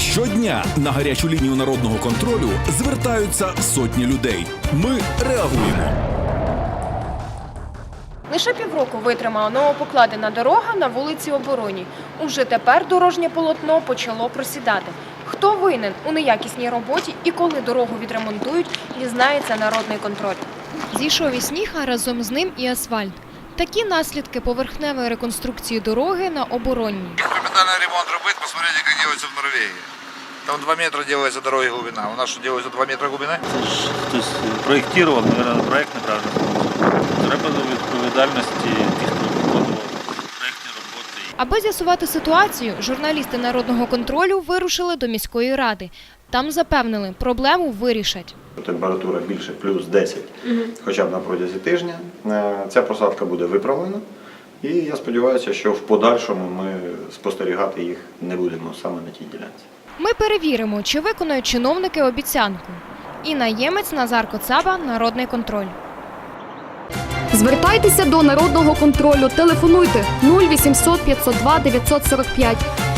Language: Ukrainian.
Щодня на гарячу лінію народного контролю звертаються сотні людей. Ми реагуємо. Лише півроку витримала новопокладена дорога на вулиці Оборонній. Уже тепер дорожнє полотно почало просідати. Хто винен у неякісній роботі і коли дорогу відремонтують, дізнається народний контроль. Зійшов і сніг, а разом з ним і асфальт. Такі наслідки поверхневої реконструкції дороги на Оборонній. Капитальный ремонт робить, посмотрите, как делается в Норвегии. Там 2 метра делается дороги глубина. У нас что делается 2 метра глубина? Це ж хтось проєктував, мабуть, проєкт неправильно. Треба до відповідальності тих, хто виконував проєктні роботи. Аби з'ясувати ситуацію, журналісти народного контролю вирушили до міської ради. Там запевнили, проблему вирішать. Температура більше плюс 10, хоча б на протязі тижня. Ця просадка буде виправлена. І я сподіваюся, що в подальшому ми спостерігати їх не будемо саме на тій ділянці. Ми перевіримо, чи виконують чиновники обіцянку. Інна Ємець, Назар Коцаба, Народний контроль. Звертайтеся до народного контролю. Телефонуйте 0800 502 945.